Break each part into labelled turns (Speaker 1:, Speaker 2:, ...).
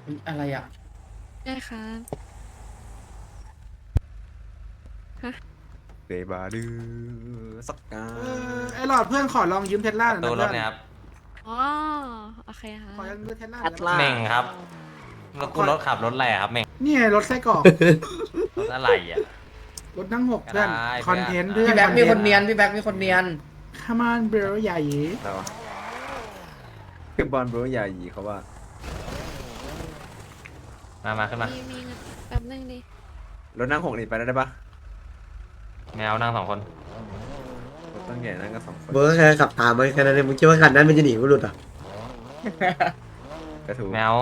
Speaker 1: อุ๊ยอะไรอ่ะ
Speaker 2: ได้ครับฮะ
Speaker 3: เดบาดือสักกา
Speaker 4: ไอหลอดเพื่อนขอลองยืมเทสลาหน่อยนะ
Speaker 5: ตู้ร
Speaker 4: เพื่อน
Speaker 5: ถเนี่ยครับ
Speaker 2: อ๋อโอเคครั
Speaker 4: ขอยื
Speaker 2: บ
Speaker 4: มเทสลาหน่อยได้ปะ
Speaker 5: เม่งครับแล้วกูรถขับรถอะไรอะครับเม่ง
Speaker 4: นี่ไงรถไส้กรอก
Speaker 5: รถอะไรอ่ะ
Speaker 4: รถนั่งหกเพื่อน
Speaker 5: ก็ได้
Speaker 4: คอนเทนต์เพื่อน
Speaker 1: พี่แบ็คมีคนเนียนพี่แบ็คมีคนเนียน
Speaker 4: ขมานเบลใหญ่
Speaker 3: อะไรวะคือบอลบรูใหญ่ยีเขาว่า
Speaker 5: มาขึ้นมา
Speaker 2: มีเงินแป๊บนึงดิ
Speaker 3: รถนั่งหกนี่ไปได้ปะ
Speaker 5: แมวนั่ง2 คน
Speaker 3: รถตั้งใหญ่นั่งกันสองคน
Speaker 6: เบอร์แค่ขับตามมาแค่นั้นเองมึงคิดว่าคันนั้นมันจะหนีกูหลุดเหรอ่ะ
Speaker 3: กระถู
Speaker 5: แมว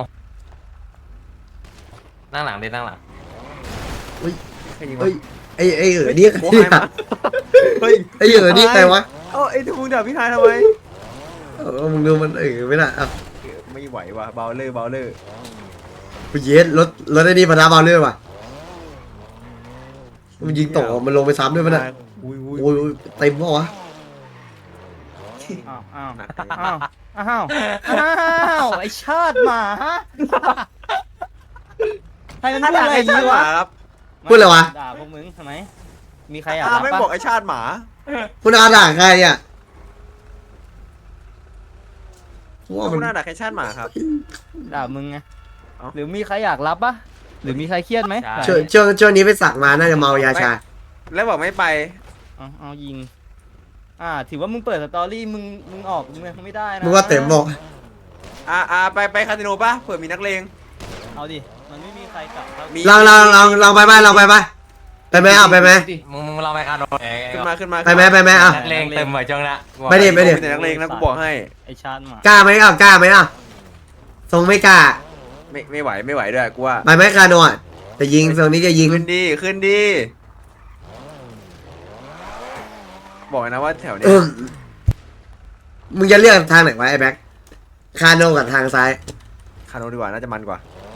Speaker 5: นั่งหลังดินั่งหลัง
Speaker 3: ใครยิงวะ
Speaker 6: เฮ้ยไอ้นี่ใคร
Speaker 3: โอ้
Speaker 6: เนี่ย
Speaker 3: ยมาเฮ้ย
Speaker 6: ไอ้นี่ใครวะ
Speaker 3: เอ้าไอ้ที่มึงด่าพี่ชายทำไม
Speaker 6: มึงดูมันไม่น่ะอ่ะ
Speaker 3: ไม่ไหวว่ะเบาเลอร์เบาเลอร์
Speaker 6: กูเย็ดรถไอ้นี่พนาบาลเลยว่ะมันยิงตกมันลงไปซ้ำด้วยมันอ่ะ
Speaker 3: อุ้ย
Speaker 6: โอ้ยเต็มปะวะ
Speaker 7: อ้าว
Speaker 3: หนัก
Speaker 7: อ้าวอ้าวอ้าวไอชาติหมาให้มัน
Speaker 3: ถ้า
Speaker 7: พูด
Speaker 3: ด่า
Speaker 7: อะไร
Speaker 3: ไอ้
Speaker 7: ดี
Speaker 3: ชาติห
Speaker 7: วะ
Speaker 3: มาครับ
Speaker 6: พูดอะไรวะ
Speaker 7: ด่าพวกมึงทำไมมีใครอยาก
Speaker 3: ไม่
Speaker 7: รับ
Speaker 3: บอก
Speaker 7: ปะ
Speaker 3: ไอ้ชาติหมา
Speaker 6: คุณอาด่าใครอ่ะว่า
Speaker 3: คุ
Speaker 6: มัน
Speaker 3: ณน่าด่าแค่ชาติหมาครับ
Speaker 7: ด่ามึงไง
Speaker 3: เอ้า
Speaker 7: หรือมีใครอยากรับปะหรือมีใครเครียดไหม
Speaker 5: ใช่
Speaker 6: ช่วงนี้ไปสักมาน่าจะเมายาชา
Speaker 3: แล้วบอกไม่ไป
Speaker 7: เอายิงถือว่ามึงเปิดสตอรี่มึงออกมึงไม่ได้นะ
Speaker 6: มึงว่าเต็มบอก
Speaker 3: ไปคาสิโนปะเผื่อมีนักเลง
Speaker 7: เอาดิมันไม่มีใครกลับครับ
Speaker 3: มี
Speaker 6: ลองไปไหมไปไหมเอาไปไหม
Speaker 5: มึงลองไปคาโด
Speaker 3: ขึ้นมา
Speaker 6: ไปไหมอ่ะ
Speaker 5: นักเลงเต็มเหมือนจังละ
Speaker 6: ไม่ดิ
Speaker 3: มีแต่นักเลงนะกูบอกให้
Speaker 7: ไอชาติหมาก
Speaker 6: ล้าไหมอ่ะทรงไม่กล้า
Speaker 3: ไม่ไหวด้วยกูว่า
Speaker 6: ไปไหมคาโนอ่ะจะยิงทรงนี้จะยิง
Speaker 3: ขึ้นดีบอกนะว่าแถวเนี้
Speaker 6: เอย อมึงจะเลือกทางไหนวะไอ้แบ็คคาโนกับทางซ้าย
Speaker 3: คาโนดีกว่าน่าจะมันกว่า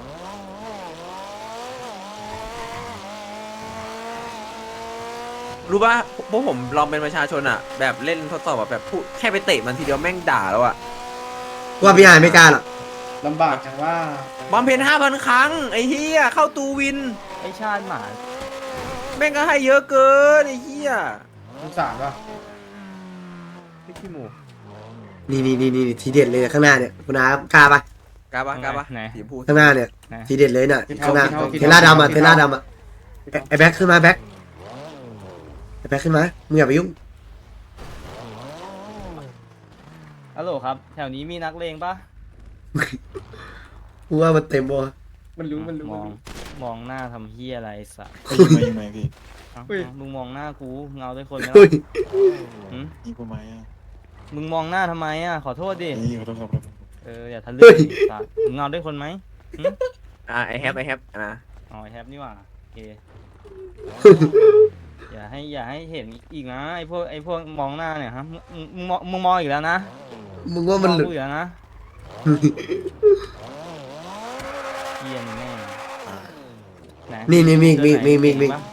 Speaker 3: รู้ป่ะพวกผมลองเป็นประชาชนอ่ะ แบบเล่นทดสอบแบบพูดแค่ไปเตะมันทีเดียวแม่งด่าแล้วอ่ะ
Speaker 6: ว่าพี่หายไม่กล้าหรอก
Speaker 1: ลำบากจังว่า
Speaker 3: บอมเพน5,000 ครั้งไอ้เฮียเข้าตูวิน
Speaker 7: ไอชาติหมา
Speaker 3: แม่งก็ให้เยอะเกินไอ้เฮีย
Speaker 1: สงสารป่ะ
Speaker 3: พี่ขี้หมู
Speaker 6: นี่ทีเด็ดเลยข้างหน้าเนี่ยคุณอากล้าปะ
Speaker 3: กล้าปะ
Speaker 7: ไหน
Speaker 3: สีชมพู
Speaker 6: ข้างหน้าเนี่ย
Speaker 7: ไหน
Speaker 6: ทีเด็ดเลยน่ะข้างหน้าเทล่าดำอ่ะไอ้แบ็คขึ้นมาแบ็คไอ้แบ็คขึ้นมามึงอย่าไปยุ่ง
Speaker 7: ฮัลโหลครับ แถวนี้มีนักเลงปะ
Speaker 6: กูว่ามันเต็มบ่
Speaker 1: มันรู้
Speaker 7: มองหน้าทำเฮียอะไรสัส
Speaker 8: ยิงไหมพี่
Speaker 7: มึงมองหน้ากูเงาด้วยคนไหม
Speaker 6: เฮ้ย
Speaker 7: หืม
Speaker 8: ยิงผมไหมอ่ะ
Speaker 7: มึงมองหน้าทำไมอ่ะขอโทษดิ
Speaker 8: ยิงขอโทษครับ
Speaker 7: อย่าทะลึ่งสัสมึงเงาด้วยคนไหมหืม
Speaker 3: ไอแฮปนะ
Speaker 7: อ๋อแฮปนี่หว่าโอเคอย่าให้เห็นอีกนะไอพวกมองหน้าเนี่ยฮะมึงมองอีกแล้วนะ
Speaker 6: มึงว่ามัน
Speaker 7: มอง
Speaker 6: หลุด
Speaker 7: กูอีกแล้วนะเกียนแม่งไห
Speaker 6: นี่มี
Speaker 7: ตัวไหน
Speaker 6: มี
Speaker 7: เจ๋งปะ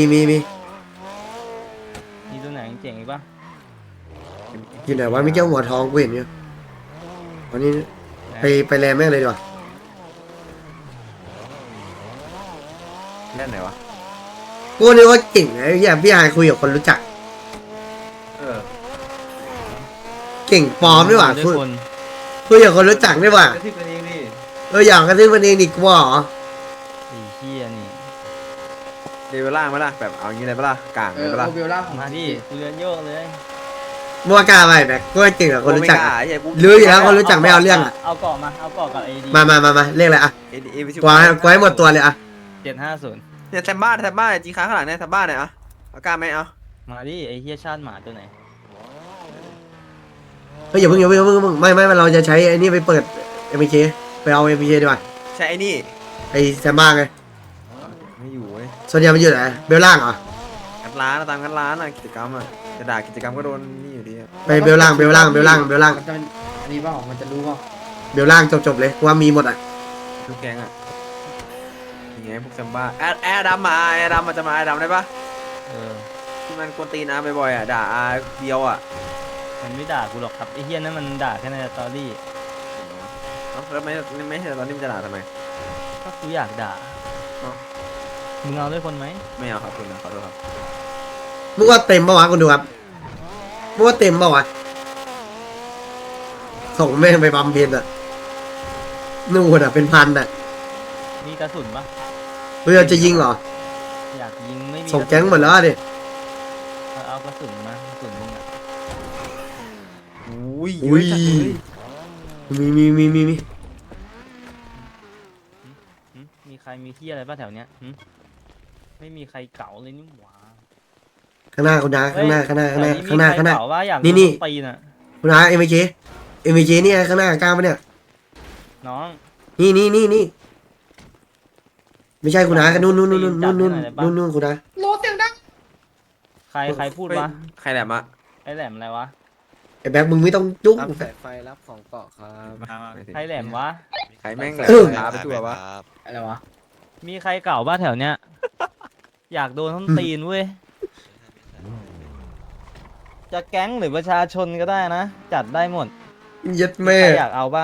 Speaker 7: มีตัวไหนเจ๋งอีกปะ
Speaker 6: อยู่ไหนวะไม่เจ้าหัวทองกูเห็นอยู่วันนี้ไปแลแม่งเลยดีกว่า
Speaker 3: เล่นไหนวะ
Speaker 6: กูนึกว่าเก่งไอ้เหี้ยพี่หายคุยกับคนรู้จัก
Speaker 3: เออ
Speaker 6: เก่งปลอมด้วยว่ะ
Speaker 7: ด้วยคน
Speaker 6: คุยกับคนรู้จักด้วยว่ะ
Speaker 3: กระทิบกันเองดิ
Speaker 6: อยากกระทืบมันเองดิกูว่าเหรอ
Speaker 7: ไอ้เฮียนี่
Speaker 3: เดวิลล่างไหมล่ะแบบเอางี้เลยปะล่ะกลาง
Speaker 1: เอ
Speaker 3: เลย
Speaker 1: อ
Speaker 3: ปะล่ะ
Speaker 1: เอาเบลล่าของ
Speaker 7: มาดิกูเรียนโยกเลย
Speaker 6: มัวกล้าไปแบกกูว่าเก่งกับคนรู้จัก
Speaker 3: โอเม
Speaker 6: อะ
Speaker 3: ก้าไอ้เหี้ยกู
Speaker 6: รู้อยู่แล้วคนรู้จักไม่เอาเรื่องอ่ะ
Speaker 7: เอาเกาะกับไอดี
Speaker 6: มาเรียกอะไรอ่ะ
Speaker 3: เอวิชิ
Speaker 6: กูให้หมดตัวเลยอ่ะ
Speaker 7: 750
Speaker 3: เนี่ยแซมบ้าจีค้าข้างหลังเนี่ยแซมบ้าเนี่ยเอากล้าไหมเอา
Speaker 7: มาดิไอเฮียชาติหมาตัวไหน
Speaker 6: เฮ้ยอย่าเพิ่งไม่เราจะใช้ไอ้นี่ไปเปิด MK ไปเอา MK ดีกว่า
Speaker 3: ใช่ไอ้นี่
Speaker 6: ไอ้แซมบ้าไง
Speaker 3: ไม่อยู่เว้ย
Speaker 6: ส่วนใหญ่มันอยู่ไหนเบลล่างเหรอ
Speaker 3: งัดร้านตามงัดร้านกิจกรรมจะด่ากิจกรรมก็โดนนี่อยู่ดี
Speaker 6: ไปเบลล่าง
Speaker 1: มันจะอันนี้เปล่ามันจะรู้เปล่า
Speaker 6: เบลล่างจบเลยกูว่ามีหมดอ่ะ
Speaker 3: ทุกแกงอย่างเงี้ยพวกแซมบ้าแอร์ดำมาแอร์ดำมันจะมาแอร์ดำได้ปะ
Speaker 7: เออ
Speaker 3: ที่มันกวนตีนบ่อยด่าเดียว
Speaker 7: มันไม่ด่ากูหรอกครับไอเฮียนั่นมันด่าแค่ในสตอรี่
Speaker 3: เอ้าแล้วไม่ใช่ตอนนี้มันจะด่าทำไม
Speaker 7: ก็กูอยากด่า
Speaker 3: เอ้า
Speaker 7: มึงเอาด้วยคนไหม
Speaker 3: ไม่เอาครับคุณนะขอโทษครับ
Speaker 6: มึงว่าเต็มปะวะคุณดูครับมึงว่าเต็มปะวะส่งแม่งไปบำเพ็ญอ่ะนู่นอ่ะเป็นพันอ่ะ
Speaker 7: มีกระสุนปะ
Speaker 6: เพื่อจะยิงเหรอ
Speaker 7: อยากยิงไม่มี
Speaker 6: ส่งแก๊งหมดแล้วดิ
Speaker 7: เอากระสุนมากระสุนมึงอะ
Speaker 3: อุ้ย
Speaker 6: อุ้ย
Speaker 3: เะจัดเลย
Speaker 6: มี
Speaker 7: หึมีใครมีที่อะไรป่ะแถวเนี้ยหึไม่มีใครเก๋าเลยนี่หว่า
Speaker 6: ข้างหน้าคุณนาข้างหน้า
Speaker 7: แถวนี้
Speaker 6: ข้างหน้า
Speaker 7: มีใครเก๋าว่าอยาก
Speaker 6: นี่
Speaker 7: โด
Speaker 6: นี่
Speaker 7: ตีน่ะ
Speaker 6: คุณนาเอ็มเจเนี่ยข้างหน้ากล้าปะเนี่ย
Speaker 7: น้อง
Speaker 6: นี่ไม่ใช่คุณนากันนู่นคุณนา
Speaker 1: โลเสียงดัง
Speaker 7: ใครพูดวะ
Speaker 3: ใครแหลมอะ
Speaker 7: ไอ้แหลมอะไรวะ
Speaker 6: ไอ้แบ็คมึงไม่ต้องยุ่ง
Speaker 3: รับสายไฟรับของเกาะครับ
Speaker 7: ใครแหลมวะ
Speaker 3: ใครแม่งแหล
Speaker 6: เออ
Speaker 3: มขาไปทั่ววะ
Speaker 1: อะไรวะ
Speaker 7: มีใครเก่าบ้าแถวเนี้ย อยากโดนท้นตีนเว้ย จะแก๊งหรือประชาชนก็ได้นะ จัดได้หมด
Speaker 6: ยัด
Speaker 7: ใค
Speaker 6: แม่
Speaker 7: รอยากเอาปะ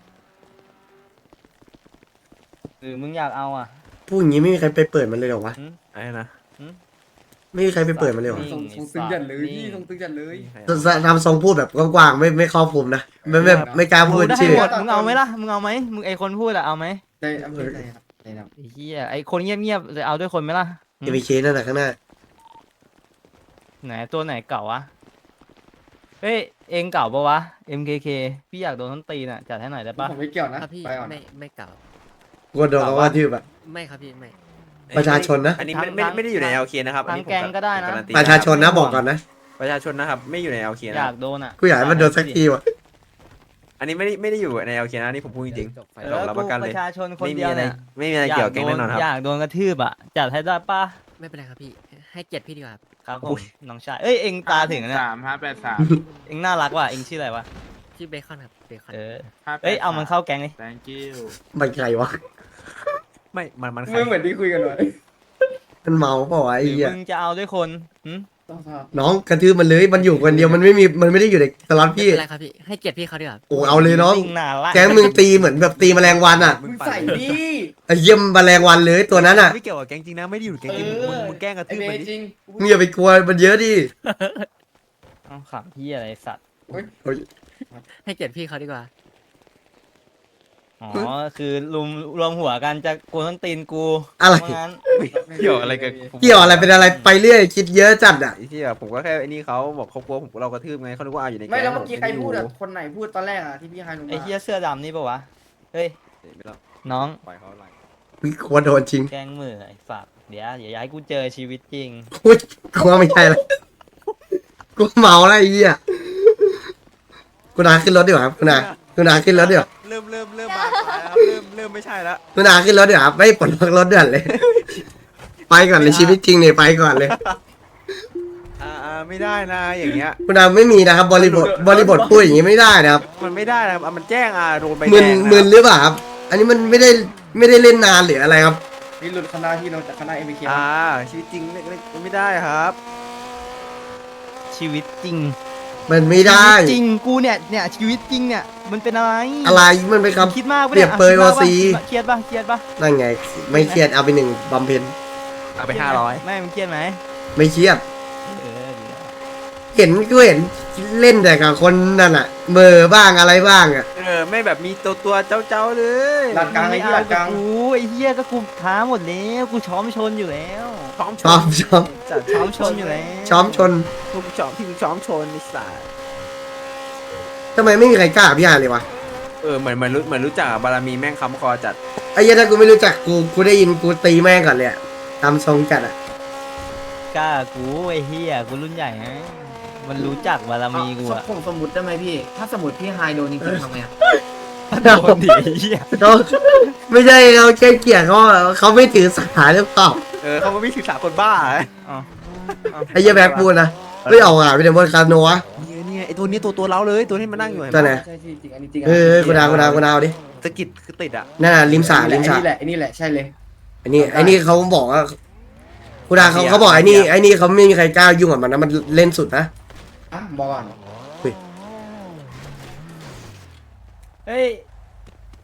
Speaker 7: หรือมึงอยากเอาอ่ะ
Speaker 6: พูดอย่างนี้ไม่มีใครไปเปิดมันเลยเหรอวะ
Speaker 3: ไอ้นะ
Speaker 6: ไม่มีใครไปเปิดมันเลยเหรอ
Speaker 1: ส่งตึงจัดเลยพี่ส่งตึงจัดเลย
Speaker 6: ทำทรงพูดแบบกว้างๆไม่ครอบคลุมนะไม่กล้าพูด
Speaker 7: ได้
Speaker 6: ชื่อ
Speaker 7: หมดมึงเอาไหมล่ะ มึงเอาไหมมึงไอคนพูดอะเอาไหม
Speaker 1: ในอำเภอไหนครับในนาม
Speaker 7: ไอ้เหี้ยไอคนเงียบๆจะเอาด้วยคนไหมล่ะ
Speaker 6: เอ็มเคนั่นแหละข้างหน้า
Speaker 7: ไหนตัวไหนเก่าวะ เฮ้ย เองเก่าปะวะ MKK พี่อยากโดนท้นตีนอ่ะ จัดให้หน่อยได้ปะ
Speaker 1: ผมไม่เกี่ยวนะครับ
Speaker 8: พี่
Speaker 1: ไปก่อน
Speaker 8: ไม่เก่า
Speaker 6: กลัวโดนเขาว่าชื่อแบบ
Speaker 8: ไม่ครับพี่ไม่
Speaker 6: ประชาชนนะ
Speaker 3: อันนี้ไม่ได้อยู่ใน LK นะครับอัน
Speaker 7: ทาง
Speaker 3: นี้ผม
Speaker 7: แกงก็ได้นะ
Speaker 3: การัตี
Speaker 6: ประชาชนนะบอกก่อนนะ
Speaker 3: ประชาชนนะครับไม่อยู่ใน LK นะ
Speaker 7: อ
Speaker 3: ค
Speaker 7: ยา
Speaker 3: รับ
Speaker 7: กโดนอ่ะ
Speaker 6: กูอยากให้มันโดนสักทีว่ะ
Speaker 3: อันนี้ไม่ได้อยู่ใน LK นะอันนี่ผมพูดจริง
Speaker 7: เอ
Speaker 3: ๆ
Speaker 7: อ
Speaker 3: รับ
Speaker 7: กู
Speaker 3: ประกัน
Speaker 7: ป
Speaker 3: เลย
Speaker 7: ระชาชนคน
Speaker 3: ไม่มี
Speaker 7: เดียว
Speaker 3: อะไร
Speaker 7: เนี่ย
Speaker 3: ไม่มีอะไรเกี่ยวกับแก๊งแน่นอนครับ
Speaker 7: อยากโดนกระทืบอ่ะ จัดให้ได้ปะ
Speaker 8: ไม่เป็นไรครับพี่ ให้เกียรติพี่ดีกว่าครับ
Speaker 7: ครับผ
Speaker 3: อุ้
Speaker 7: ม
Speaker 3: ย
Speaker 7: น้องชาย เอ้ย เองตาถึงนะเนี่ย
Speaker 9: 3 5 8 3
Speaker 7: เองน่ารักว่ะ เองชื่ออะไรวะ
Speaker 8: ชื่อเบคอนครับเบคอน
Speaker 7: เออ
Speaker 9: 5
Speaker 7: เอ้ย เอามันเข้าแก๊งเลย
Speaker 9: thank you
Speaker 6: มันใครวะ
Speaker 3: ไม่มันใคร
Speaker 1: ไม่เหมือนที่คุยกันเลย
Speaker 6: มันเมาเปล่าวะ
Speaker 7: ห
Speaker 6: ไอ้
Speaker 7: รือ
Speaker 6: เหี้ย
Speaker 7: มึงจะเอาด้วยคนหึ
Speaker 1: ต้องทราบ
Speaker 6: น้องกระทืบมันเลยมันอยู่คนเดียวมันไม่ได้อยู่ในสล็อต
Speaker 8: ไม่
Speaker 6: พี่
Speaker 8: เป็นไรครับพี่ ให้เกียรติพี่เขาดีกว่า
Speaker 6: โอ้เอาเลยน้อง
Speaker 7: จริน่ารัก
Speaker 6: แก๊งมึงตีเหมือนแบบตีแมลงวันอ่ะ
Speaker 1: มึงใส่ดิ
Speaker 6: ไอ้เยี่ยมแมลงวันเลยตัวนั้นอ่ะ
Speaker 3: ไม่เกี่ยวกับแก๊งจริงนะไม่ได้อยู่แก๊งจริงมึงแกล้งกระ
Speaker 1: ไอ
Speaker 3: ทืบ
Speaker 1: เบ
Speaker 3: มันดิ
Speaker 1: จริง
Speaker 6: มึงอย่าไปกลัวมันเยอะดิ
Speaker 7: เอาขำพี่อะไรสัตว์
Speaker 8: ให้เกียรติพี่เขาดีกว่า
Speaker 7: อ๋อ คือรวมหัวกันจะโกนต้นตีนกู
Speaker 6: อะไร
Speaker 7: ว่างั้น
Speaker 3: เกี่ยวอะไรกับ
Speaker 6: เกี่ยวอะไรเป็นอะไรไปเรื่อยคิดเยอะจัดอ่ะ
Speaker 3: ไอ้ที่ผมก็แค่ไอ้นี่เขาบอกเขากลัวผมเรากระทืบไงเขาคิดว่าอยู่ในแก๊ง
Speaker 1: ไม่แล้วเมื่อกี้ใครพูด
Speaker 3: อะ
Speaker 1: อ่ะคนไหนพูดตอนแรกอ่ะที่พี่ไฮลงมา
Speaker 7: ไอ้เฮียเสื้อดำนี่ปะวะ เฮ้ย
Speaker 3: ไม่ต้อง
Speaker 7: น้อง
Speaker 3: ปล่อยเขาไหล
Speaker 6: กลัวโดนจริง
Speaker 7: แกล้งมือไอ้สัตว์เดี๋ยวอย่าให้กูเจอชีวิตจริง
Speaker 6: อุ้ยกลัวไม่ใช่ละกูเมาแล้วไอ้เหี้ยกูนาขึ้นรถดีกว่าครับกูนาขึ้นรถดีกว่า
Speaker 3: เริ่มมาแล้วเริ่มไม่ใช่แล้ว
Speaker 6: กูนาขึ้นรถดีกว่าครับไม่ปลดล็อกรถเดือนเลย ไปก่อนเลยชีวิตจริงเนี่ยไปก่อนเลย
Speaker 3: ไม่ได้นะอย่างเงี้ย
Speaker 6: กูนาไม่มีนะครับบริบทพูดอย่างนี้ไม่ได้นะครับ
Speaker 3: มันไม่ได้นะครับมันแจ้งโดนใบแด
Speaker 6: มึน
Speaker 3: งนะ
Speaker 6: มึนหรือเปล่าครับ อันนี้มันไม่ได้เล่นนานหรืออะไรครับ
Speaker 1: นี่หลุดคณะที่เราจากคณะเอ็มบีเค
Speaker 3: ชีวิตจริงไม่ได้ครับ
Speaker 7: ชีวิตจริง
Speaker 6: มันไม่ได้
Speaker 7: ชีวิตจริงกูเนี่ยชีวิตจริงเนี่ยมันเป็นอะไร
Speaker 6: อะไรมันเป็นค
Speaker 7: คิดมากปะ
Speaker 6: เปรี
Speaker 7: เนี่ย
Speaker 6: บเปรย
Speaker 7: คิดมาก
Speaker 6: โอซี
Speaker 7: ปะเครียดปะ
Speaker 6: ำนั่นไง ไม่เครียดเอาไป1บำเพ็ญ
Speaker 3: เอาไป500
Speaker 7: ไม่มึงเครียดไหม
Speaker 6: ไม่เครียด
Speaker 7: เออดีแล้ว
Speaker 6: เห็นเล่นแต่กับคนนั่นอะเบอร์บ้างอะไรบ้างอะ
Speaker 3: ไม่แบบมีตัวเจ้าเลย
Speaker 1: หลักกลางไอ้
Speaker 7: ไม่
Speaker 1: ที่ห
Speaker 7: เอา
Speaker 1: ลักก
Speaker 7: กั
Speaker 1: ลา
Speaker 7: บ
Speaker 1: ง
Speaker 7: กูไอ้เหี้ยก็กูท้าหมดแล้วกูช้อมชนอยู่แล้ว
Speaker 6: ชอบ
Speaker 3: จัด
Speaker 7: ช้อมชนอยู่แล้ว
Speaker 6: ช้อมชน
Speaker 3: ทุกช้อมที่ช้อมชนนิสัย
Speaker 6: ทำไมไม่มีใครกล้าพี่อาเลยวะ
Speaker 3: เหมือนรู้จักบารมีแม่งค้ำคอจัด
Speaker 6: ไอ้เหี้ยถ้ากูไม่รู้จักกูได้ยินกูตีแม่งก่อนเลยอะตามทรงจัดอะ
Speaker 7: กล้ากูไอ้เหี้ยกูรุ่นใหญ่ฮะมันรู้จักบารมีกูอะ
Speaker 8: ผมสมมติได้ไหมพี่ ถ้าสมมติพี่ไฮโดนจริงๆทำไงอะ
Speaker 7: โดนดิไอ้เหี้ย
Speaker 6: เขาไม่ใช่เขาแค่เกลียดเขาไม่ถือสาหรือเปล่า
Speaker 3: เขาไม่ศึกษาคนบ้า
Speaker 7: อ๋อ
Speaker 6: ไอ้เหี้ยแบ็คพูดนะไม่ออกอ่ะไม่ได้บนคาโนวะ
Speaker 3: เนี่ยไอตัวนี้ตัวเราเลยตัวที่มันนั่งอยู่
Speaker 6: ตัวไหน
Speaker 1: ใช่จริงอันนี้จริง
Speaker 6: กูดาวดิ
Speaker 3: สกิดคือติดอ่ะ
Speaker 6: นั่นน่ะริมสระ
Speaker 1: ไอ้นี่แหละใช่เลย
Speaker 6: ไอ้นี่เขาบอกว่ากูดาเขาบอกไอ้นี่เขาไม่มีใครกล้ายุ่งกับมันนะมันเล่นสุดนะ
Speaker 1: อ่ะบอกก่อน
Speaker 7: เฮ้ย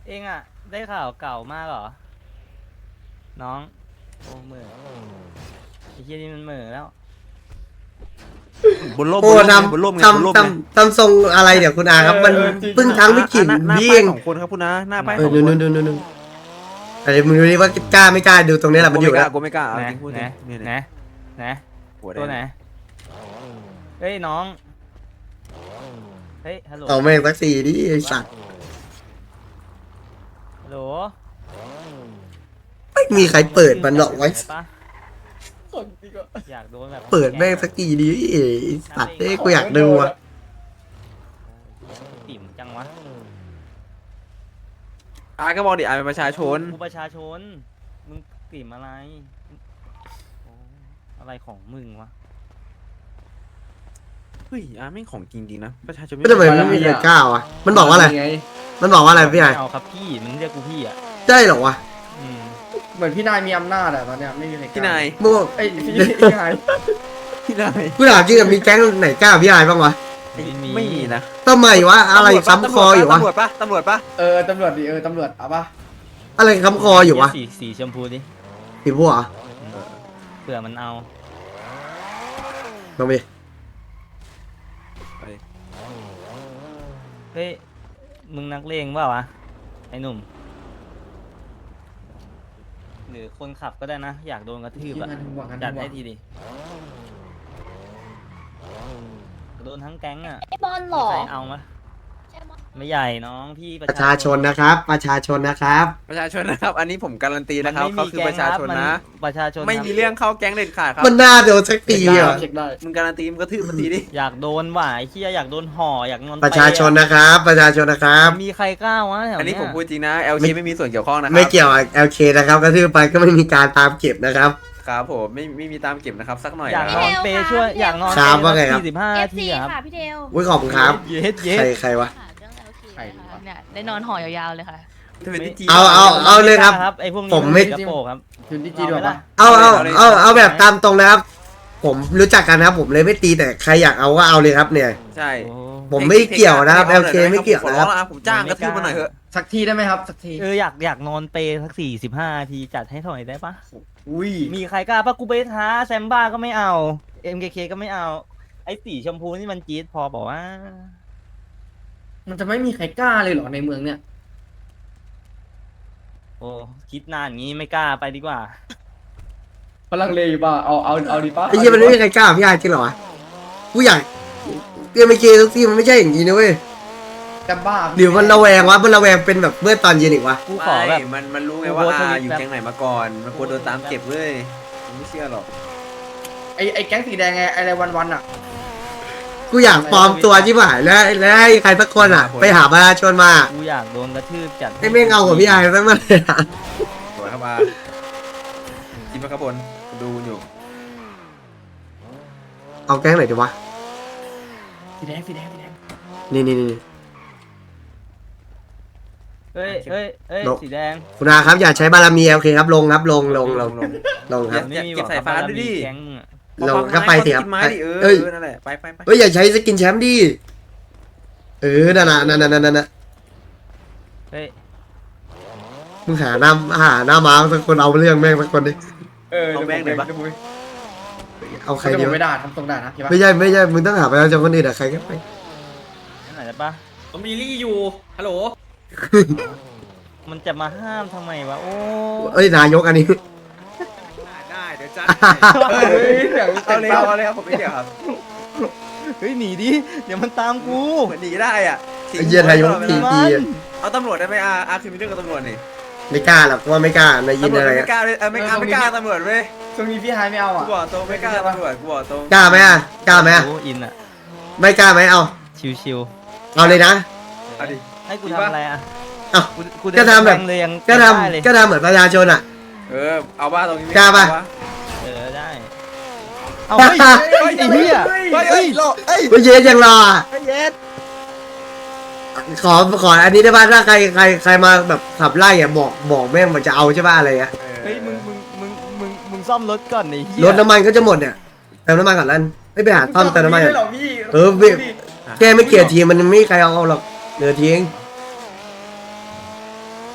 Speaker 7: เองอ่ะ ได้ข่าวเก่ามากเหรอ น้อง โอ้เหม่อไอ้เหี้ยนี่มันเหม่อแล้ว
Speaker 3: บนร่ม
Speaker 6: โอ้
Speaker 3: บนร่มไง
Speaker 6: ทำ
Speaker 3: บนร่ม
Speaker 6: ทำ
Speaker 3: ไง
Speaker 6: ทำทรงอะไรเดี๋ยวคุณอาครับ มันเพิ่งทั้งไม่ขิน
Speaker 3: หน้า
Speaker 6: พี่
Speaker 3: ป้า
Speaker 6: เอย ง
Speaker 3: สองคนครับคุณนะหน้าป้าย
Speaker 6: เอ
Speaker 3: ส
Speaker 6: อ
Speaker 3: องค
Speaker 6: นู่น
Speaker 3: น
Speaker 6: นู่นแต่มึงดูดิว่ากล้าไม่กล้าดูตรงนี้แหละมันอยู่แล้ว
Speaker 3: กูไม่กล้าเอา
Speaker 7: ไหน
Speaker 3: จริงพูด
Speaker 7: ไหน
Speaker 3: จริง
Speaker 7: ไหนไหน
Speaker 3: หัวแด
Speaker 7: ตัว
Speaker 3: ง
Speaker 7: ไหน เฮ้ยน้อง เฮ้ย ฮัลโหล
Speaker 6: เอาแม่งสักสี่ดิไอ้สัตว์
Speaker 7: ฮัลโหล
Speaker 6: ไม่มีใครเปิดมันหรอกไว้
Speaker 7: ด้ปะอยากโดนแบบ
Speaker 6: เปิดแม่งสักทีดิไอ้สัตว์เอ้ยกูอยากดูอ่ะ
Speaker 7: ติ่มจังวะ
Speaker 3: อาก็บอกดิอาเป็นประชาชน
Speaker 7: กูประชาชน มึงติ่มอะไรโอ้อะไรของมึงวะ
Speaker 3: เฮ้ยอาไม่งของจริงๆนะประชาชน
Speaker 6: ไม่ทำไมไม่มีใครกล้าวะมันบอกว่าอะไร
Speaker 1: ไง
Speaker 6: มันบอกว่าอะไรพี่ไอ้
Speaker 7: ไม่เอาครับพี่ มึงเรียกกูพี่อ่ะ
Speaker 6: ได้เหรอวะ
Speaker 7: อืม
Speaker 1: เหมือนพี่นายมีอำนาจอะตอนเนี้ยไม่มีใครกล้
Speaker 3: พี่นาย
Speaker 6: มึง
Speaker 1: เอ้ยพี่นาย
Speaker 3: พี่นาย
Speaker 6: กูถามจริงอะมีแก๊งไหนกล้าพี่ไอ้บ้างวะ
Speaker 3: ไม่มีนะ
Speaker 6: ทำไมวะอะไรค้ำคออยู่วะ
Speaker 3: ตำรวจปะตำรวจปะ
Speaker 1: เออตำรวจดิตำรวจเอาปะ
Speaker 6: อะไรค้ำคออยู่วะ
Speaker 7: สีชมพูดิ
Speaker 6: สีบัวเหรอ
Speaker 7: เผื่อมันเอา
Speaker 6: ลองไป
Speaker 7: เฮ้ย มึงนักเลงเปล่าวะ ไอ้หนุ่ม หรือคนขับก็ได้นะ อยากโดนกระทืบ
Speaker 1: ที่
Speaker 7: อะ
Speaker 1: มันห่วงกัน
Speaker 7: จัด
Speaker 1: ห่ว
Speaker 7: ให้
Speaker 1: ง
Speaker 7: ทีดิ โดนทั้งแก๊งอะ
Speaker 2: ไอ้บอลหรอ
Speaker 7: ใครเอามะไม่ใหญ่น้องพี่
Speaker 6: ประชาชนนะครับ ประชาชนนะครับ
Speaker 3: ประชาชนนะครับ อันนี้ผมการันตีนะครับ
Speaker 7: มัน
Speaker 3: เขา
Speaker 7: ไม่มี
Speaker 3: คือ
Speaker 7: แก๊
Speaker 3: ป
Speaker 7: ง
Speaker 3: ระชาชน
Speaker 7: ครับ
Speaker 3: นะ
Speaker 7: มันประชาชน
Speaker 3: ไม่
Speaker 7: ครับ
Speaker 3: มีเรื่องเข้าแก๊งเด็ดขาดครับ
Speaker 6: มันน่าโดนสักที
Speaker 1: เช็คได้
Speaker 6: อ่ะ
Speaker 1: เช็คได้
Speaker 3: มึงการันตีมึงก็ทืบมันทีดิ
Speaker 7: อยากโดนว่ะไอ้เหี้ยอยากโดนห่ออยากนอน
Speaker 6: ประชาชนนะครับ ประชาชนนะครับ
Speaker 7: มีใครกล้าวะแถว
Speaker 3: อันนี้
Speaker 7: เนี้ย
Speaker 3: ผมพูดจริงนะ LK ไม่มีส่วนเกี่ยวข้องนะครั
Speaker 6: ไม่เกี่ยวกับ LK นะครับกระทืบไปก็ไม่มีการตามเก็บนะครับ
Speaker 3: ครับผมไม่มีตามเก็บนะครับสักหน่อย
Speaker 7: อยาก
Speaker 3: นะ
Speaker 7: นอนเปย์ช่วยอยากนอน
Speaker 6: ครับ
Speaker 7: เปย์
Speaker 6: ว่าไงครับ
Speaker 7: 45นาที
Speaker 2: FC
Speaker 7: อะครับ
Speaker 2: ค่ะพี่เทล
Speaker 6: อุ้ยขอบคุณครับ
Speaker 7: เย็ดเย็ด
Speaker 6: ใครวะ
Speaker 2: ค่ะเรื่อง LK
Speaker 1: ใคร
Speaker 2: นะคะ
Speaker 1: วะ
Speaker 2: เนี่ยได้นอนห่อยาวๆเลยค่ะ
Speaker 6: เอาเลยครับ
Speaker 7: ไอ้พวกนี้
Speaker 6: ผมไม่
Speaker 7: กระโปรงครับ
Speaker 1: คืนที่จีดีกว่าปะ
Speaker 6: เอาแบบตามตรงนะครับ ผมรู้จักกันนะครับ ผมเลยไม่ตีแต่ใครอยากเอาก็เอาเลยครับเนี่ย
Speaker 3: ใช่
Speaker 7: โอ้
Speaker 6: ผมไม่เกี่ยวนะครับ LK ไม่เกี่ยวนะครับ
Speaker 3: ขอร้องผมจ้างกระทืบมาหน่อยเถอะ
Speaker 1: สักทีได้ไหมครับสักที
Speaker 7: อยากนอนเปย์สัก45นาทีจัดให้หน่อยได้ปะ
Speaker 1: อุ้ย
Speaker 7: มีใครกล้าปะกูไปท้าแซมบ้าก็ไม่เอา MKK ก็ไม่เอา ไอ้สีชมพูนี่มันจี๊ดพอบอกว่า
Speaker 1: มันจะไม่มีใครกล้าเลยเหรอในเมืองเนี่ย
Speaker 7: โอ้คิดนานอย่างงี้ไม่กล้าไปดีกว่า
Speaker 1: พลังเลอยู่ป่ะเอาดีป่ะ
Speaker 6: ไอ้เหี้ยมันไม่มีใครกล้าพี่ไอ้จริงเหรอวะกูอยากLK ทุกทีมันไม่ใช่อย่างนี้นะเว้ย
Speaker 1: แต่บ้า
Speaker 6: หรือมันระแวงวะมันระแวงเป็นแบบเมื่อตอนเย็นอีกวะ
Speaker 7: กูขอแบบ
Speaker 3: ไม่มันรู้ไง
Speaker 7: กู
Speaker 3: ว่า
Speaker 7: โพสต์ทวิต
Speaker 3: อยู่
Speaker 7: แบบ
Speaker 3: แก๊งไหนมาก่อนมันควรโดนตามเก็บเว้ยผมไม่เชื่อหรอก
Speaker 1: ไอ้แก๊งสีแดงไงอะไรวันๆอ่ะ
Speaker 6: กูอยากปลอมตัวชิบหายแล้วให้ใครสักคนอ่ะ ไปหาประชาชนมา
Speaker 7: กูอยากโดนกระทืบจัด
Speaker 6: ให้แม่งเอากับพี่ไอ้สักมาเลยอะ
Speaker 3: สวยครับอาคิดว่าครับบนดูอยู่
Speaker 6: เอาแก๊งไหนดีวะ
Speaker 1: สีแดงสีแดง
Speaker 6: นี่
Speaker 7: เฮ้ยสีแดง
Speaker 6: คุณอาครับอย่าใช้บารมีโอเคครับลงครับลงครับ
Speaker 3: อย่าเก็บสายฟ้าด้วยดิ
Speaker 7: แก๊งมึงอะ
Speaker 6: ลงก็ไปสิครับ
Speaker 3: กินไม้ดิเอ
Speaker 6: เอ้ย
Speaker 3: อนั่นแหละไป
Speaker 6: เฮ้ยอย่าใช้สกินแชมป์ดินั่นน่ะ
Speaker 7: เฮ้ย
Speaker 6: มึงหาหน้าม้าสักคนเอาเรื่องแม่งสักคนดิ
Speaker 3: เอาแม่งเลยปะ
Speaker 6: เอาใคร
Speaker 1: ใคร
Speaker 6: ดี
Speaker 1: เดี๋ยว
Speaker 6: วะ
Speaker 1: ไม่ด่าทำตรงด่านะพี่ปะ
Speaker 6: ไม่ใช่มึงต้องหาประชาชนคนอื่นอะใครก็ไป
Speaker 7: นั่นไหนได้ปะ
Speaker 8: ผมมีลี่อยู่ฮัลโหล
Speaker 7: มันจะมาห้ามทำไมวะ โอ้
Speaker 6: เอ้ยนายกอันนี้
Speaker 3: ได้เดี๋ยวจัด
Speaker 1: เฮ้ยเสียง
Speaker 3: เอาเลยครับผมไม่เกี่ยวครับ
Speaker 7: เฮ้ยหนีดิ เดี๋ยวมันตามกู
Speaker 3: เหมือนหนีได้อ่ะ
Speaker 6: ไอ้เหี้ยนายกที
Speaker 3: เอาตำรวจได้ไหมอาคือมีเรื่องกับตำรวจนี่
Speaker 6: ไม่กล้าหรอกว่าไม่กล้านายยิน
Speaker 3: ตำรวจ
Speaker 6: อะไร
Speaker 3: ไม่กล้าเลยไม่กล้าตำรวจเว้ย
Speaker 1: ช่วงนี้พี่ไฮไม่เอา
Speaker 3: กู
Speaker 1: อ่ะ
Speaker 3: บอกตรงไม่กล้าตำรวจกูบอกตรง
Speaker 6: กล้าไหมอะกล้าไหมอะ
Speaker 7: โอ้อินอะ
Speaker 6: ไม่กล้าไหมเอา
Speaker 7: ชิว
Speaker 6: เอาเลยนะ
Speaker 3: เอาดิ
Speaker 7: ๆให้กูทำอะไรอะ
Speaker 6: เอ้า
Speaker 7: กูเดิน
Speaker 6: ก็ทำแบบ
Speaker 7: เลยยัง
Speaker 6: ก็
Speaker 7: ได้เลย
Speaker 6: ทำเหมือนประชาชนอะ
Speaker 3: เอาว่าตรงนี้
Speaker 6: กล้าปะ
Speaker 7: ได้ เอาเฮ้ยไอ้เหี้ย
Speaker 3: เฮ้ยโลเฮ้ย
Speaker 6: เฮ้ยเย็นยังรออะ
Speaker 3: เย็ด
Speaker 6: ขออันนี้ได้ป่ะถ้าใครมาแบบขับไล่อะบอกแม่งมันจะเอาใช่ป่ะอะไรเงี้ย
Speaker 7: เฮ้ยมึงซ่อมรถก่อนไอ้เหี้ย
Speaker 6: รถน้ำมันก็จะหมดเนี่ยเติมน้ำมันก่อนแล้วไม่ไปหาซ่อมเติมน้ำมัน
Speaker 1: ไม่
Speaker 6: ก่อน
Speaker 1: หรอกพี่
Speaker 6: เออพี่ แกไม่เกลียดทีมมันไม่มีใครเอาหรอกเหลือทีเอง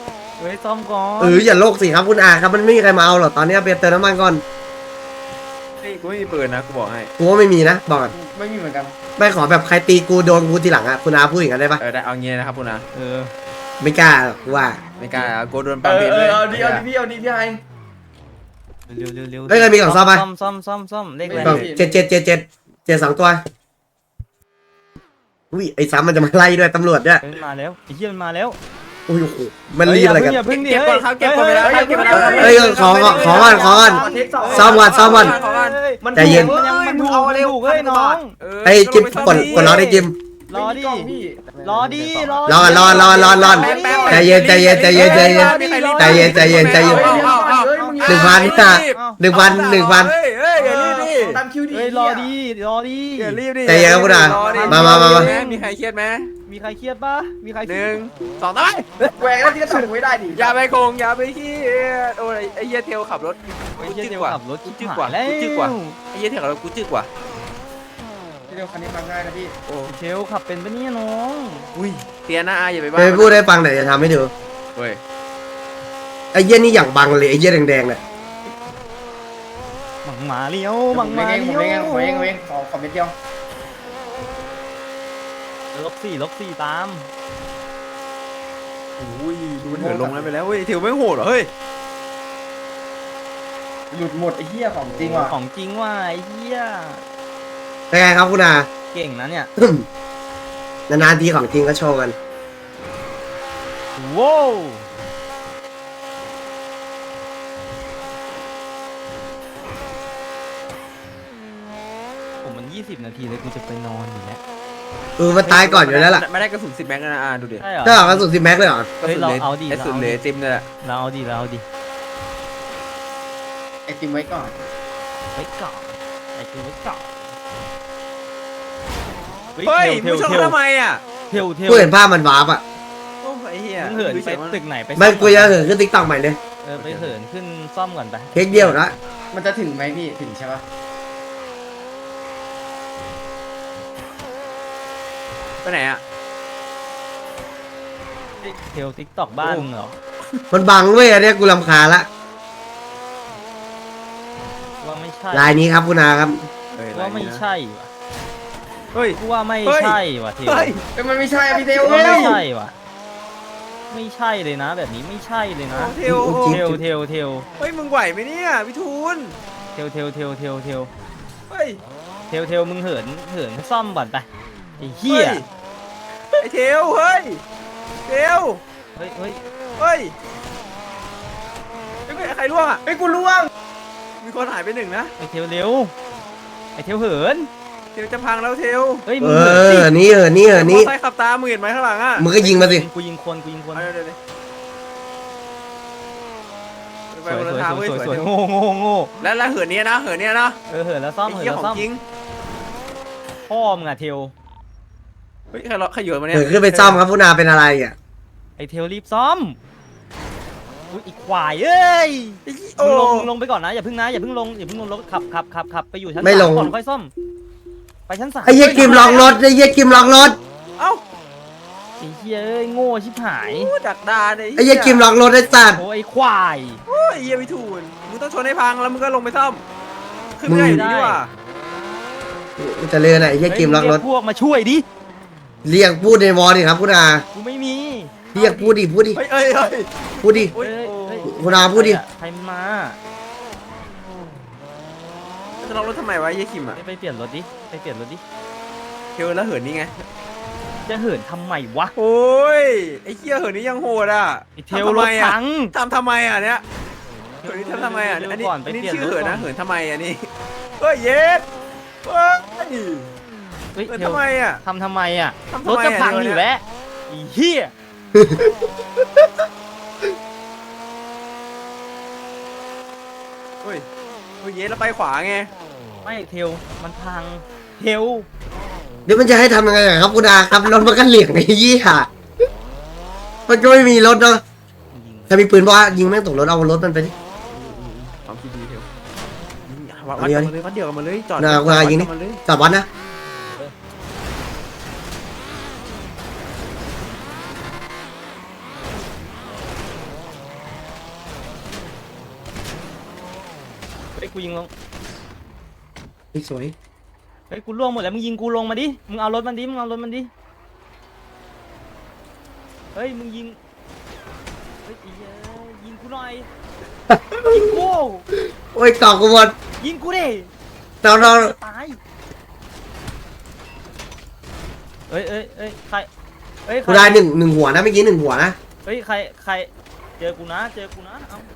Speaker 7: ฮ้ยซ่อมก่อน
Speaker 6: อย่าโลกสิครับคุณอาครับมันไม่มีใครมาเอาหรอกตอนนี้ไปเติมน้ำมันก่อน
Speaker 3: นี่กูไม่มีปืนนะกูบอกให้
Speaker 6: กูว่าไม่มีนะบอกก่อน
Speaker 1: ไม่มีเหมือนกัน
Speaker 6: ไม่ขอแบบใครตีกูโดนกูทีหลังอะคุณอาพูดอย่างนั้นได้ปะ
Speaker 3: ได้เอางี้นะครับคุณนะ
Speaker 7: เออ
Speaker 6: ไม่กล้าหรอกกูว่า
Speaker 3: ไม่กล้ากูโดนปั๊มผิดเลย
Speaker 1: เอาดิพี่ไอ
Speaker 7: เร็วเร็วเร็ว
Speaker 6: เอ้ยมีกล่องซ่อมปะ
Speaker 7: ซ่อมเลขอะไร
Speaker 6: กล่อง7 2 ตัวอุ้ยไอ้ซ้ำมันจะมาไล่ด้วยตำรวจเนี่ย
Speaker 7: เฮ้ยมาแล้วไอ้เหี้ยมันมาแล้ว
Speaker 6: อุ้ยโอ้โหมันรีบอะไรกัน
Speaker 7: อย่าเพิ่งดิ
Speaker 3: เก็บก่อนครับเก็บก่อนไปแล้วเก็บก่อน
Speaker 6: เฮ้ยขอก่อนซ่อมก่อน ใจเย็น
Speaker 7: มันถูกมันถูกเฮ้ยน้อง
Speaker 6: ไอ้จิมกดล็อกได้จิม
Speaker 7: รอดิรอดิ
Speaker 6: รอใจเย็น1,000
Speaker 3: เฮ้ยอย่ารีบดิ
Speaker 1: ตามคิวดิ
Speaker 7: เฮ้ยรอดิ
Speaker 3: อย่ารีบดิ
Speaker 6: ใจเย็นครับคุณอามา
Speaker 3: มีใครเครียดไหม
Speaker 7: มีใครเครียดปะมีใคร
Speaker 3: 1 2 3
Speaker 1: แหวกแล้วที่ก็ถูกไม่ได้ดิ
Speaker 3: อย่าไปโกงอย่าไปขี้โอ้ยไอ้เหี้ยเทลขับรถ
Speaker 7: ไอ้เหี้ย
Speaker 3: จึ๊
Speaker 7: เดี
Speaker 3: ก
Speaker 7: ยว
Speaker 3: กว่า
Speaker 7: ขับรถ
Speaker 3: กู
Speaker 7: จิ๊
Speaker 3: จึ๊
Speaker 7: ก
Speaker 3: ก
Speaker 7: ก
Speaker 3: ก
Speaker 7: ว่า
Speaker 3: ว่า
Speaker 7: แล้ว
Speaker 3: กูจึ๊กกว่าไอ้เหี้ยเทลขับรถกูจึ๊กกว่า
Speaker 1: เดี๋ยวคันนี้ฟังง่ายนะพี่
Speaker 3: โอ้
Speaker 7: เชลขับเป็นปะเนี่ยน้อง
Speaker 3: อุ้ยเตียนะอย่าไปบ้า
Speaker 6: ไปพูดให้ฟังหน่อยจะทำให้ดู
Speaker 3: เฮ้ย
Speaker 6: ไอ้เหี้ยนี่อย่างบังเลยไอ้เหี้ยแดงๆเนี่ย
Speaker 7: บังหมาเลี้ยว
Speaker 1: ผ
Speaker 7: บัง
Speaker 1: ม
Speaker 7: หมา
Speaker 1: เอง
Speaker 7: เลี้ยว
Speaker 1: ขอเม็ดเดียว
Speaker 7: ลบสี่ตาม
Speaker 3: อุ้ยดูมันเหินลงแล้วไปแล้วเฮ้ยเทลไม่โหดเหรอเฮ้ย
Speaker 1: หลุดหมดไอ้เหี้ยของจริงว่ะ
Speaker 7: ของจริงว่ะไอ้เหี้ย
Speaker 6: เป็นไงครับคุณอา
Speaker 7: เก่งนะเนี่ย
Speaker 6: นานๆทีของจริงก็โชว์กัน
Speaker 7: ว้าวผมมัน20 นาทีเลยกูจะไปนอนอยู่แล้ว
Speaker 6: มันตายก่อนอยู่แล้วล่ะ
Speaker 3: ไม่ได้กระสุน10 แม็กนะดูดิ
Speaker 7: ใช่เหรอ
Speaker 6: ถ้าออกกระสุน10 แม็กเลยเหรอ
Speaker 7: เฮ้ยเราเอาดิ
Speaker 3: กระสุนเหลยติมเลยแหละ
Speaker 7: เราเอาดิ
Speaker 1: ไอติมไว้ก่อน
Speaker 7: ไว้ก่อนไอ้กูไว้ก่อน
Speaker 3: เฮ้ยมึงชนทำไมอ่ะ
Speaker 7: เทล
Speaker 6: กูเห็นภาพมันวาร์ปอ่ะ
Speaker 3: โอ้ไอ้เหี้ย
Speaker 7: มึงเหินไปตึกไหนไป
Speaker 6: มันกูจะเหินขึ้นติ๊กต็อกใหม่เลย
Speaker 7: ไปเหินขึ้นซ่อมก่อนไป
Speaker 6: เทคเดียวนะ
Speaker 1: มันจะถึงไหมพี่ถึงใช่ปะ
Speaker 3: ไปไหนอ่ะ
Speaker 7: เทลติ๊กต็อกบ้านมึงเหรอ
Speaker 6: มันบังเว้ยอันเนี้ยกูรำคาญละ
Speaker 7: ว่าไม่ใช่
Speaker 6: ลายนี้ครับคุณอาครับ
Speaker 7: ว่าไม่ใช่ว่ะ
Speaker 3: เฮ้ย
Speaker 7: กูว่าไม่ใช่ว่ะเทล
Speaker 3: เฮ้ย
Speaker 1: มันไม่ใช่พี่เทล
Speaker 7: ว่า
Speaker 1: เฮ้
Speaker 7: ไม่
Speaker 1: ย
Speaker 7: ใช่ว่ะไม่ใช่เลยนะ แบบนี้ไม่ใช่เลยนะ
Speaker 3: เทล
Speaker 6: จริง
Speaker 7: เทล
Speaker 3: เฮ้ยมึงไหวไหมเนี่ยพี่ทูน
Speaker 7: เทล
Speaker 3: เฮ้ย
Speaker 7: เทลมึงเหินซ่อมก่อนไปไอ้เหี้ย
Speaker 3: ไอ้เทลเฮ้ยเทล
Speaker 7: เฮ้ย
Speaker 3: เฮ้ยใครล่วงอ่ะ
Speaker 1: ไอ้กูล่วง
Speaker 3: มีคนหายไป1นะ
Speaker 7: ไอ้เทลเร็วไอ้เทลเหิน
Speaker 3: เทลจะพังแล้วเทล
Speaker 7: เฮ้ย
Speaker 6: เอ
Speaker 7: มึงเหินสิ
Speaker 6: อนี่เหินนี่
Speaker 3: มอไซค์ขับตามมึงเห็นไหมข้างหลังอ่ะ
Speaker 6: มึงก็ยิงมาสิ
Speaker 7: กูยิงคน
Speaker 3: เอาเดี๋ยวไป
Speaker 7: สวย
Speaker 3: คนละทางเว้ยสวย
Speaker 7: โง่
Speaker 3: แล้วเหินเนี้ยนะ
Speaker 7: เหินแล้วซ่อม
Speaker 3: ไอ้
Speaker 7: เหิน
Speaker 3: เหี้ย
Speaker 7: แล้ว
Speaker 3: ขอ
Speaker 7: ซ่อง ม
Speaker 3: จริง
Speaker 7: พ่อมึงอะเทล
Speaker 3: เฮ้ยใครโยนมาเนี่ย
Speaker 6: เหินขึ้นไปซ่อมครับคุณอาเป็นอะไรอ่ะ
Speaker 7: ไอ้เทลรีบซ่อมอุ้ยอีกควายเอ้ย
Speaker 3: โอ้
Speaker 7: มึงลงไปก่อนนะอย่าเพิ่งลงรถขับไปอยู่ชั้น
Speaker 6: ไม่ลง
Speaker 7: 3ก่อนค่อยซ่อมไปชั้น 3
Speaker 6: ไอ้เหี้ยกิมล็อกรถไอ้เหี้ยกิมล็อกรถ
Speaker 3: เอ้า
Speaker 7: ไอ้เหี้ยเอ้ยโง่ชิบหาย
Speaker 3: ดักดาน
Speaker 6: ไอ้เหี้ยกิมล็อกรถไอ้สัตว์
Speaker 7: โอ้ยควาย
Speaker 3: โอ้ยเหี้ยพี่ทูนมึงต้องชนให้พังแล้วมึงก็ลงไปซ่อมขึ้นไม่ได้อยู่ดีนี่หว่า
Speaker 6: มันจะเลื่อนไอ้เหี้ยกิมล็อกรถ
Speaker 7: เฮ้ยมึงเยพวกมาช่วยดิ
Speaker 6: เรียกพูดในวอลดิครับคุณอา
Speaker 7: กูไม่มี
Speaker 6: เรียกพูดดิ
Speaker 3: เฮ้ย
Speaker 6: พูดดิ
Speaker 3: โอ้ย
Speaker 7: เฮ้ย
Speaker 6: คุณอาพูดดิ
Speaker 7: ใครมา
Speaker 3: จะล็อกรถทำไมวะเหี้ยคิมอ่ะ
Speaker 7: ไปเปลี่ยนรถดิ
Speaker 3: เทลแล้วเหินนี่ไง
Speaker 7: จะเหินทำไมวะ
Speaker 3: โอ้ยไอ้เหี้ยเหินนี่ยังโหดอ่ะ
Speaker 7: ไอ้เทลรถถัง
Speaker 3: ทำไมอ่ะเนี่ยเหินนี่ทำไมอ่ะอันนี้
Speaker 7: ก่อนไป
Speaker 3: อันนี้
Speaker 7: เปลี่ยน
Speaker 3: ชื่อ
Speaker 7: รถ
Speaker 3: เหิน
Speaker 7: ก่อ
Speaker 3: นะ
Speaker 7: น
Speaker 3: เหินทำไมอ่ะนี่เฮ้ยเย็ดเฮ้ย
Speaker 7: เฮ้ย
Speaker 3: เหิน
Speaker 7: เทล
Speaker 3: ทำไมอ่ะ
Speaker 7: ทำไมอ่ะ
Speaker 3: ทำ
Speaker 7: รถ
Speaker 3: ไม
Speaker 7: จะ
Speaker 3: อ่ะ
Speaker 7: พัง
Speaker 3: เดี๋
Speaker 7: อ
Speaker 3: ยว
Speaker 7: ยู่แล้วไอ้เหี้ย
Speaker 3: เฮ้ยเย็ดแล้วไปขวาไง
Speaker 7: ไม่เทลมันพังเทล
Speaker 6: เดี๋ยวมันจะให้ทำยังไงอะครับคุณอาครับรถมันก็เหลี่ยงไอ้เหี้ยมันก็ไม่มีรถเนาะถ้ามีปืนบอกว่ายิงแม่งตกรถเอารถมันไปดิ
Speaker 3: ความคิดดีเทลวัด
Speaker 6: เอา
Speaker 3: เดี
Speaker 6: ดิ
Speaker 3: ยวกันเลยวัดเดียวกันมาเลยจอด
Speaker 6: น่าว่ายิงดิ
Speaker 3: วัดกันมาเลย
Speaker 6: จอดวัดนะ
Speaker 7: ฮ้ยกูยิงลง
Speaker 6: เฮ้ยสวย
Speaker 7: เฮ้ยกูล่วงหมดแล้วมึงยิงกูลงมาดิมึงเอารถมันดิมึงเอารถมันดิเฮ้ยมึงยิงเฮ้ยไอ้เหี้ยยิงกูหน่อยยิงกู
Speaker 6: โอ้ยกอกกูหมด
Speaker 7: ยิงกูดิ
Speaker 6: น้อง
Speaker 7: ตายเอ้ยใครเอ้ย
Speaker 6: ๆกูได้หนึ่งหัวนะเมื่อกี้หนึ่งหัวนะ
Speaker 7: เฮ้ยใครเจอกูนะเอ้า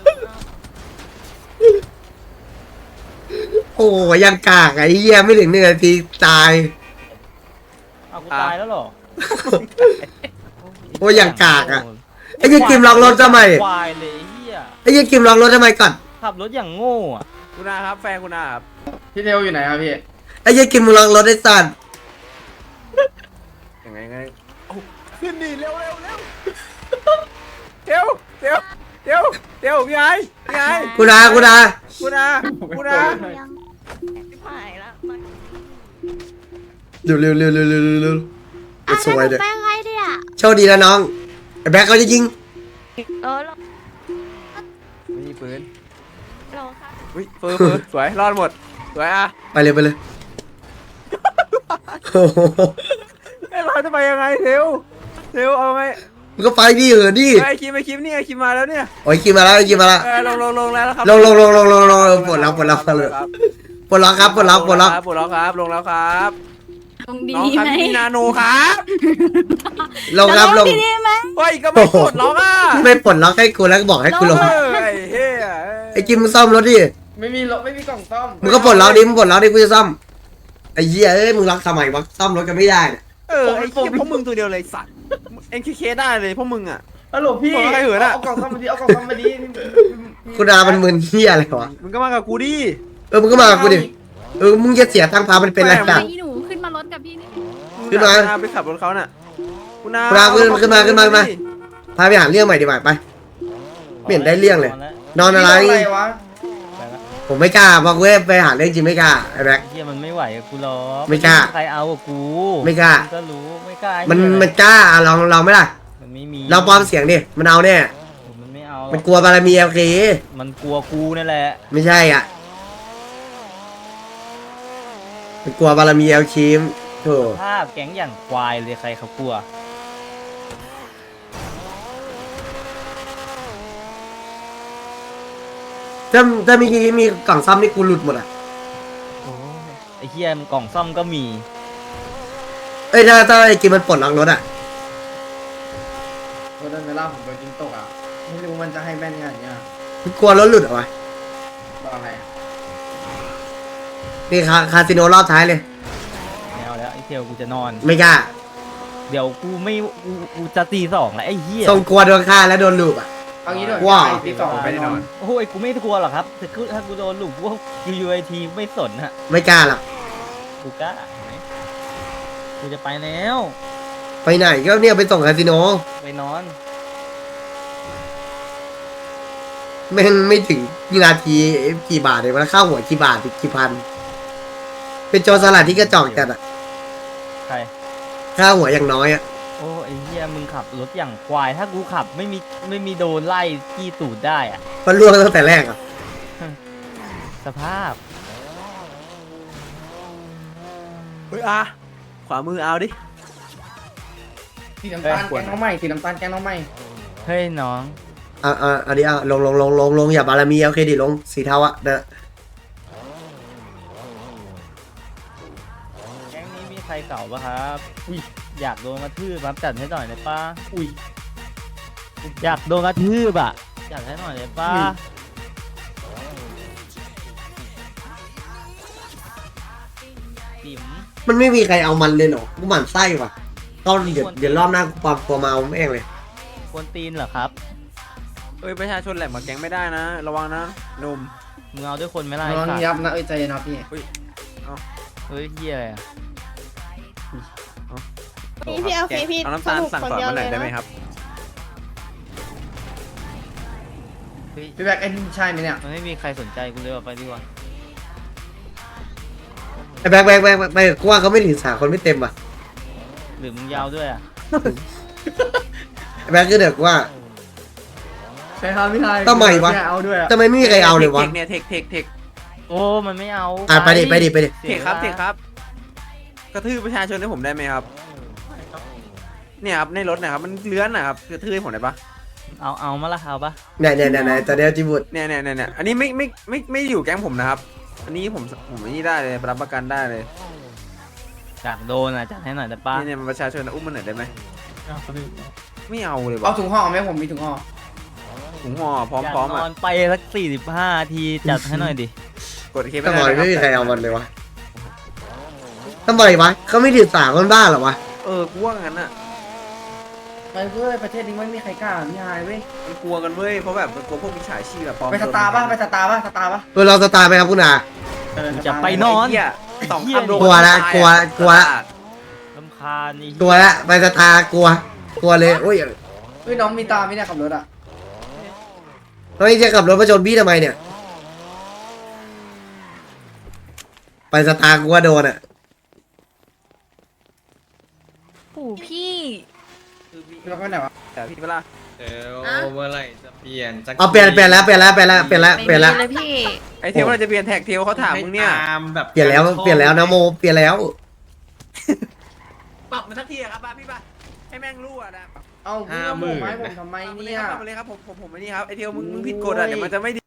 Speaker 6: โอ้ยยังกากไอ้เหี้ยไม่ถึง1 นาทีตาย
Speaker 7: เอากูตายแล้วเหรอ
Speaker 6: โอ้ยยังกากอ่ะไอ้เหี้ยกิมล็อกรถทำไม
Speaker 7: ควายเลยไอ้เหี้ย
Speaker 6: ไอ้เหี้ยกิมล็อกรถทำไมก่อน
Speaker 7: ขับรถอย่างโง่อะ
Speaker 3: คุณอาครับแฟนคุณอาครับ
Speaker 1: พี่เทลอยู่ไหนครับพี่
Speaker 6: ไอ้เหี้ยกิมล็อกรถได้สัตว์
Speaker 3: ยังไงเอาขึ้นดิเร็วเดี๋ยวพี่ไอ้พี่ไอ้
Speaker 6: กูนา
Speaker 3: คุณอา
Speaker 6: เร็วไอ้สวยเด้อ
Speaker 2: แป้งให้ดิอ่ะ
Speaker 6: โชคดีนะน้องไอ้แบ็คเขาจะยิง
Speaker 3: ไม่มีปืน
Speaker 2: รอค่ะ
Speaker 3: อุ้ยเฟอร์สวยรอดหมดสวยอ่ะ
Speaker 6: ไปเลยโอ้โห
Speaker 3: ไอ้เราจะไปยังไงเทลเอาไง
Speaker 6: มึงก็ไปดิดิ
Speaker 3: ไอ้คิมนี่ไอ้คิมมาแล้วเนี่ย
Speaker 6: โอ้ยกิมมาแล้วลงแล้วครับปลดล็อกครับลงแล้วครับ
Speaker 2: ลงดี
Speaker 3: น้องครับ
Speaker 2: ไหม
Speaker 3: มีนาโนครับ
Speaker 6: ลง
Speaker 2: ดีไหม
Speaker 3: เฮ้ยก็ไม่กดล็อกอ่ะ
Speaker 6: ไม่ปลดล็อกให้กูแล้วก็บอกให้กูลง
Speaker 3: ไอ้เฮ้ย
Speaker 6: ไอ้กิมมึงซ่อมรถดิ
Speaker 1: ไม่มีรถไม่มีกล่องซ่อม
Speaker 6: มึงก็ปลดล็อกดิกูจะซ่อมไอ้เหี้ยเอ้ยมึงล็อกทำไมวะซ่อมรถกันไม่ได้เนี่ย
Speaker 3: ไอ้เหี้ยพวกมึงตัวเดียวเลยสัตว์เอ็นเคได้เลยพวกมึงอ่ะ
Speaker 1: ฮัลโหลพี่
Speaker 3: บอกให้เหินอะ
Speaker 1: เอากล่องซ่อมมาดิเอากล่องซ่อมมาดิ
Speaker 6: กูด่ามันมึนเหี้ยอะไรวะ
Speaker 3: มึงก็มากับกูดิ
Speaker 6: มึงก็มากับกูดิมึงจะเสียตังค์พามันเป็นไร
Speaker 2: ไอ้
Speaker 6: กัน
Speaker 2: หนูขึ้นมารถกับพี่นี่
Speaker 6: ขึ้นมา
Speaker 3: ไปขับรถเขาน่ะคุณนา
Speaker 6: ขึ้นมาพาไปหาเรื่องใหม่ดีกว่าไปไม่เห็นได้เรื่องเลย นอนอะไร
Speaker 1: พี่วะ
Speaker 7: ไปละ
Speaker 6: ผมไม่กล้าบอกเว้ยไปหาเรื่องจริงไม่กล้าไอ้แบ็ค
Speaker 7: ไอ้เหี้ยมันไม่ไหวกับกูหรอก
Speaker 6: ไม่กล้า
Speaker 7: ใครเอากับกู
Speaker 6: ไม่กล้า
Speaker 7: งก็รู้ไม่กล้าไอ้
Speaker 6: มัน
Speaker 7: เหี้ย
Speaker 6: มันกล้าลองไหม่ล่ะ
Speaker 7: มันไม่มี
Speaker 6: เราปลอมเสียงดิมันเอาแน่
Speaker 7: มันไม่เอาหร
Speaker 6: มั
Speaker 7: อน ก
Speaker 6: กลัวบารมีโอเค
Speaker 7: มันกลัวกูนั่นแหละ
Speaker 6: ไม่ใช่อ่ะมันกลัวบารมีเอาคีมโธ่
Speaker 7: ภาพแก๊งอย่างควายเลยใครเขากลัว
Speaker 6: ถ้ามีกล่องซ่อมนี่กูหลุดหมดอ่ะ
Speaker 7: ไอ้เหี้ยกล่องซ่อมก็มี
Speaker 6: เอ้ยถ้าไอ้กิมมันปลดล็อกรถอ่ะ
Speaker 1: รถเวลาผมโดนยิงตกอ่ะไม่รู้มันจะให้แม่นขนาดเนี้ย
Speaker 6: มันกลัวรถหลุดเหรอวะ
Speaker 1: บอกอะไร
Speaker 6: นี่คาสิโนรอบท้ายเลย
Speaker 7: ไม่เอาแล้วไอ้เทลกูจะนอน
Speaker 6: ไม่กล้า
Speaker 7: เดี๋ยวกูไม่กูจะตีสองแล้วไอ้เหี้ย
Speaker 6: ทรงกลัวโดนฆ่าแล้วโดนลูกอ่ะ
Speaker 1: เอางี้ด้วย
Speaker 6: ว้าว
Speaker 1: ตีสอง
Speaker 3: ไปได้นอน
Speaker 7: โอ้ยกูไม่กลัวหรอกครับถ้ากูโดนหลุมพวก UUIT ไม่สนฮะ
Speaker 6: ไม่กล้าหรอก
Speaker 7: กูกล้าไหมกูจะไปแล้ว
Speaker 6: ไปไหนก็เนี่ยไปส่งคาสิโน
Speaker 7: ไปนอน
Speaker 6: แม่งไม่ถึงนาทีกี่บาทเลยมันค่าหัวกี่บาทกี่พัน เป็นโจรสลัดที่กระจอกจัดอ่ะ
Speaker 7: ใคร
Speaker 6: ค่าหัวอย่างน้อยอ่ะ
Speaker 7: โอ้ไอ้เหี้ยมึงขับรถอย่างควายถ้ากูขับไม่มีโดนไล่จี้ตูดได้อะ
Speaker 6: มันล่วงตั้งแต่แรกอ่ะ
Speaker 7: สภาพ
Speaker 3: เฮ้ยอาขวามือเอาดิ
Speaker 1: สีน้ำตาลแกงน้องใหม่สีน้ำตาลแกงน้องใหม่
Speaker 7: เฮ้ยน้อง
Speaker 6: อันนี้ลงอย่าบารมีโอเคดิลงสีเทาอ่ะเด้อ
Speaker 7: แก๊งนี้มีใครเก่าปะครับอุ้ยอยากโดนกระทืบครับจัดให้หน่อยได้ปะอุ้ยอยากโดนกระทืบอ่ะจัดให้หน่อยได้ปะติ๋ม
Speaker 6: มันไม่มีใครเอามันเลยเหรอกูหมั่นไส้ว่ะตอนเดี๋ยวรอบหน้ากูปลอมตัวมาเอาแม่งเลย
Speaker 7: กวนตีนเหรอครับ
Speaker 3: เอ้ยประชาชนแหลมมาแก๊งไม่ได้นะ ระวังนะหนุ่ม
Speaker 7: มึงเอาด้วยคนไหมล่ะ
Speaker 1: น
Speaker 7: ไอ้
Speaker 1: อน
Speaker 7: สัตว์
Speaker 1: ยับนะเอ้ยใจเย็นนะพี่
Speaker 7: เฮ้ยเฮียอะไรอะ
Speaker 2: พี่โอเคพี่
Speaker 3: เอาน้ำตาลสั่งสอนมาหน่อยได้ไหมครับ
Speaker 7: เฮ้ย
Speaker 1: พี่แบ็คไอ้นี่ใช่ไหมเนี่ย
Speaker 7: มันไม่มีใครสนใจกูเลยว่ะไปดีกว่า
Speaker 6: ไอ้แบกไปกูว่าเขาไม่ถึง3 คนไม่เต็มว่ะ
Speaker 7: หรือมึงยาวด้วยอ่ะ
Speaker 6: ไอ้แบกก็เด็กว่า
Speaker 1: ใช่ครับพี่ไทย
Speaker 6: ทำไมวะ
Speaker 1: เอาด้วยอะ
Speaker 6: ทำไมไม่มีใครเอาเลยวะ
Speaker 3: เนี่ยเทค
Speaker 7: โอ้มันไม่เอา
Speaker 6: ไปดิ
Speaker 3: เทครับเทครับ กระทืบประชาชนให้ผมได้ไหมครับ เนี่ยครับในรถนะครับมันเลื้อนนะครับกระทืบให้ผมได้ปะ
Speaker 7: เอามาละเอาปะ
Speaker 6: เนี่ยตอนเนี้ยจิบุตร
Speaker 3: เนี่ยอันนี้ไม่อยู่แก๊งผมนะครับ อันนี้ผมอันนี้ได้เลยรับประกันได้เลย
Speaker 7: อยากโดนอ่ะจัดให้หน่อยได้ปะ
Speaker 3: เนี่ยมันประชาชนอุ้มมันหน่อยได้ไหมไม่เอาเลย
Speaker 1: เอา
Speaker 3: วะ
Speaker 1: ถุงห่อไหมผมมีถุงห่อ
Speaker 3: ถุงห่อพ
Speaker 7: อยาก
Speaker 3: ร้อม
Speaker 7: น
Speaker 3: ๆอ่ะ
Speaker 7: อนไปสัก45 ทีจัดให้หน่อยดิ
Speaker 3: กดเคป
Speaker 6: ทำไม
Speaker 3: ด้
Speaker 6: ไม่มี
Speaker 3: นะ
Speaker 6: ใครเอามันเลยวะทำไมวะเขาไม่ถือสาคนบ้าเหรอวะ
Speaker 3: กูว่างั้นอ่ะ
Speaker 1: ไปเว้ยประเทศนี้ไม่มีใครกล้าพี่ฮายเว้ย
Speaker 3: มันกลัวกันเว้ยเพราะแบบมันกลัวพวกมิจฉาชีพแบบปลอม
Speaker 1: ไปสตาร์ป่ะไปสตาร์ป่ะสตาร์ป่ะ
Speaker 6: ตัวเราสตาร์ไปครับคุณอา
Speaker 7: จะไปนอน
Speaker 3: ไเหี้ยสองคำโดน
Speaker 6: กลัวละ
Speaker 3: ตาย
Speaker 6: กลัว
Speaker 3: อะ
Speaker 6: กลัว
Speaker 7: ลำคาญนี่
Speaker 6: ตัวละไปสตาร์กลัวเลยโอ้ย
Speaker 1: เฮ้ยน้องมีตาไหมเนี่ยขับรถอ่ะ
Speaker 6: เฮ้ยจะขับรถมาชนพี่ทำไมเนี่ย ไปสตาร์กลัวโดนอ่ะ
Speaker 2: โอ้พี่
Speaker 1: พี่มาไปไหนวะ
Speaker 3: แต่พี่เวลา
Speaker 8: เดี๋ยวเมื่อไหร่จะเปลี่ยนสัก
Speaker 6: เอาเปลี่ยนแล้ว
Speaker 2: ไม่มี
Speaker 6: แล้ว
Speaker 2: เลยพี่
Speaker 3: ไอเทลเราจะเปลี่ยนแท็กเทลเขาถามมึงเนี่ย
Speaker 8: ตามแบบ
Speaker 6: เปลี่ยนแล้วนะโมเปลี่ยนแล้ว
Speaker 3: ปรับมาสักทีอะครับป้าพี่ป่ะให้แม่งรู้อะนะ
Speaker 1: เอาพี่มาโบกไม้ผมทำไมเนี่ย
Speaker 3: ปรับมาเลยครับผมไม่นี่ครับไอเทลมึงผิดกฎอะเดี๋ยวมันจะไม่